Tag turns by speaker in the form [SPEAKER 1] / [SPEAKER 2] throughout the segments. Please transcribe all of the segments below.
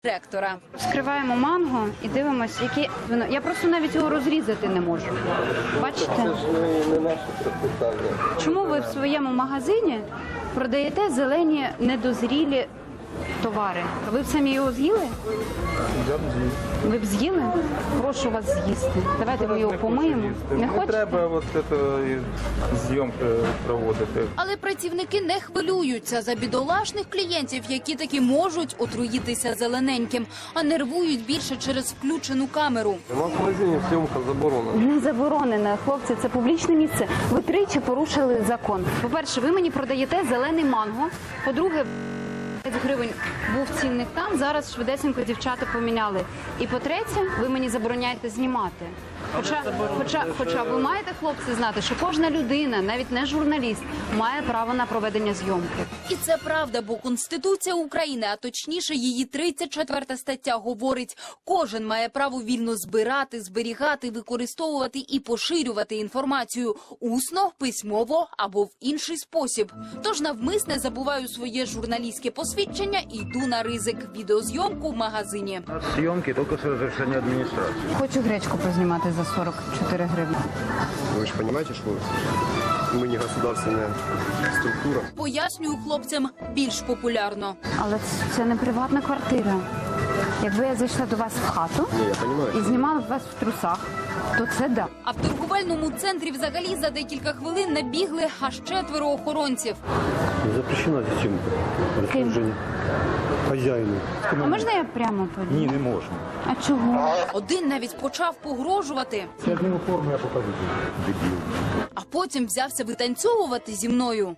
[SPEAKER 1] Ректора.
[SPEAKER 2] Вскриваємо манго і дивимося, які воно. Я просто навіть його розрізати не можу. Бачите?
[SPEAKER 3] Це ж не наше пропитання.
[SPEAKER 2] Чому ви в своєму магазині продаєте зелені недозрілі товари? Ви б самі його з'їли?
[SPEAKER 3] Я б з'їв.
[SPEAKER 2] Ви б з'їли? Прошу вас з'їсти. Давайте ми його помиємо. Не хочете?
[SPEAKER 3] треба от зйомки проводити.
[SPEAKER 1] Але працівники не хвилюються за бідолашних клієнтів, які таки можуть отруїтися зелененьким, а нервують більше через включену камеру.
[SPEAKER 3] У нас в магазині зйомка заборонена.
[SPEAKER 2] Не заборонено, хлопці, це публічне місце. Ви тричі порушили закон. По-перше, ви мені продаєте зелений манго. По-друге, 5 гривень був цінник там, зараз швидесенько дівчата поміняли. І по-третє, ви мені забороняєте знімати. Хоча ви маєте, хлопці, знати, що кожна людина, навіть не журналіст, має право на проведення зйомки.
[SPEAKER 1] І це правда, бо Конституція України, а точніше її 34 стаття говорить, кожен має право вільно збирати, зберігати, використовувати і поширювати інформацію усно, письмово або в інший спосіб. Тож навмисне забуваю своє журналістське посвідчення і йду на ризик – відеозйомку в магазині.
[SPEAKER 4] Съемки только с разрешения администрации.
[SPEAKER 2] Хочу гречку познімати за 44 гривні.
[SPEAKER 5] Вы же понимаете, что мы не государственная структура.
[SPEAKER 1] Пояснюю хлопцям більш популярно.
[SPEAKER 2] Але це не приватна квартира. Якби я зайшла до вас в хату
[SPEAKER 5] Не, я понимаю.
[SPEAKER 2] і знімала б вас в трусах, то це да.
[SPEAKER 1] А в торговельному центрі взагалі за декілька хвилин набігли аж 4 охоронців.
[SPEAKER 6] Запрещена здесь съемка. Распоряжение. Хозяину.
[SPEAKER 2] А можна я прямо подію?
[SPEAKER 6] Ні, не можна.
[SPEAKER 2] А чого?
[SPEAKER 1] Один навіть почав погрожувати,
[SPEAKER 6] Я зніму форму, я покажу. Дебіл.
[SPEAKER 1] а потім взявся витанцьовувати зі мною.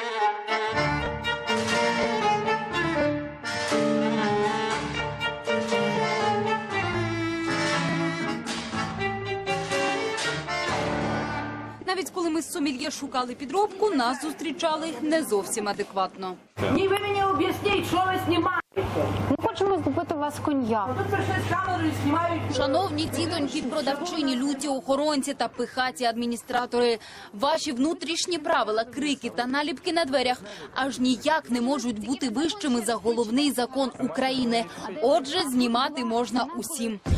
[SPEAKER 1] Навіть коли ми з сомельє шукали підробку, нас зустрічали не зовсім адекватно.
[SPEAKER 7] Ні, ви мені об'ясніть, що ви знімаєте.
[SPEAKER 2] Ми хочемо купити у вас коньяк.
[SPEAKER 7] Тут прийшли з камерою, знімають.
[SPEAKER 1] Шановні тітоньки, продавчині, люті охоронці та пихаті адміністратори, ваші внутрішні правила, крики та наліпки на дверях аж ніяк не можуть бути вищими за головний закон України. Отже, знімати можна усім.